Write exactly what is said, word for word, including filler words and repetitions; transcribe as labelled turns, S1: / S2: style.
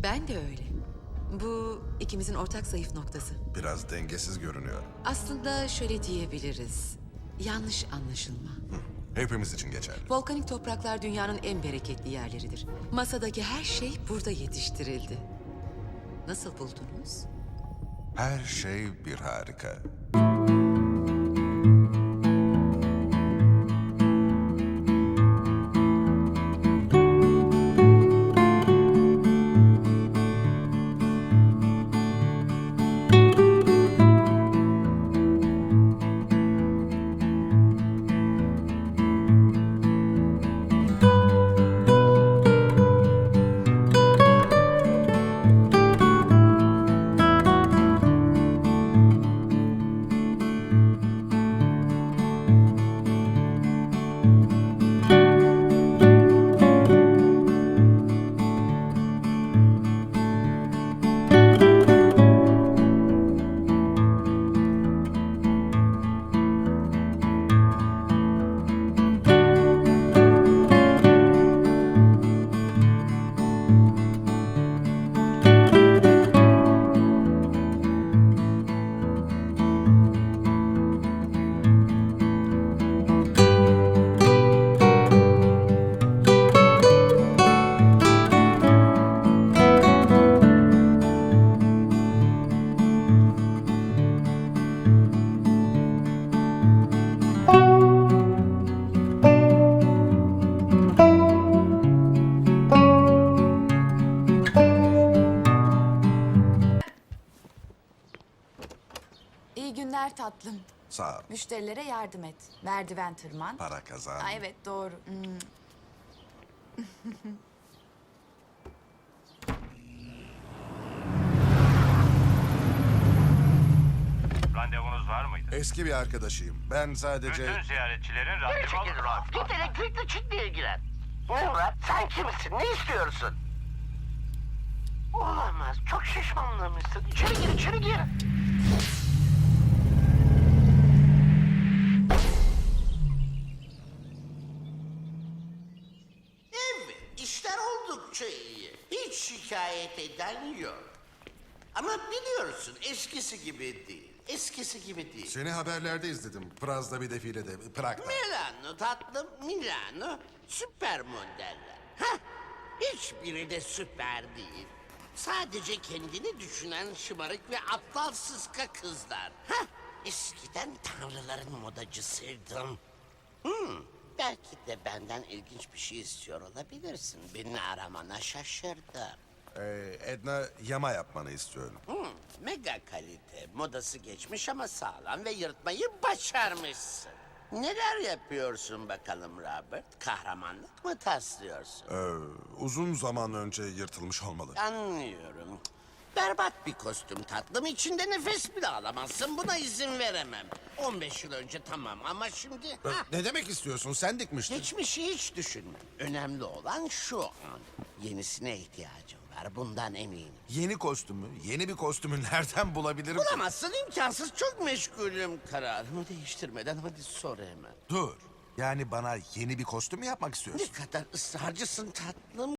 S1: Ben de öyle. Bu ikimizin ortak zayıf noktası.
S2: Biraz dengesiz görünüyor.
S1: Aslında şöyle diyebiliriz. Yanlış anlaşılma.
S2: Hepimiz için geçerli.
S1: Volkanik topraklar dünyanın en bereketli yerleridir. Masadaki her şey burada yetiştirildi. Nasıl buldunuz?
S2: Her şey bir harika.
S3: İyi günler tatlım.
S2: Sağ ol.
S3: Müşterilere yardım et. Merdiven tırman.
S2: Para kazan.
S3: Aa, evet doğru. Hmm.
S4: Randevunuz var mıydı?
S2: Eski bir arkadaşıyım. Ben sadece...
S4: Bütün ziyaretçilerin
S5: Geri
S4: randevu
S5: çekil
S4: alır.
S5: Murat. Git elektrikli çitle ilgilen. Ne Murat? Sen kimsin? Ne istiyorsun? Olamaz. Çok şişmanlamışsın. İçeri gir, içeri gir. Evet, işler oldukça iyi. Hiç şikayet eden yok. Ama biliyorsun eskisi gibi değil. Eskisi gibi değil.
S2: Seni haberlerde izledim. Praz'da bir defilede. Prag'da.
S5: Milano tatlım, Milano. Süper modeller. Hah, hiçbiri de süper değil. Sadece kendini düşünen şımarık ve aptal sıska kızlar. Hah, eskiden tanrıların modacısıydım. Hmm, belki de benden ilginç bir şey istiyor olabilirsin. Beni aramana şaşırdım.
S2: Ee, Edna yama yapmanı istiyorum.
S5: Hmm, mega kalite. Modası geçmiş ama sağlam ve yırtmayı başarmışsın. Neler yapıyorsun bakalım Robert? Kahramanlık mı taslıyorsun?
S2: Ee, uzun zaman önce yırtılmış olmalı.
S5: Anlıyorum. Berbat bir kostüm tatlım. İçinde nefes bile alamazsın. Buna izin veremem. on beş yıl önce tamam ama şimdi...
S2: Ee,
S5: ha,
S2: Ne demek istiyorsun? Sen dikmiştin.
S5: geçmişi hiç düşünme. Önemli olan şu an. Yenisine ihtiyacım var. Bundan eminim.
S2: Yeni kostümü, yeni bir kostümü nereden bulabilirim ki?
S5: Bulamazsın, imkansız. Çok meşgulüm. Kararımı değiştirmeden hadi sor hemen.
S2: Dur. Yani bana yeni bir kostüm mü yapmak istiyorsun?
S5: Ne kadar ısrarcısın tatlım.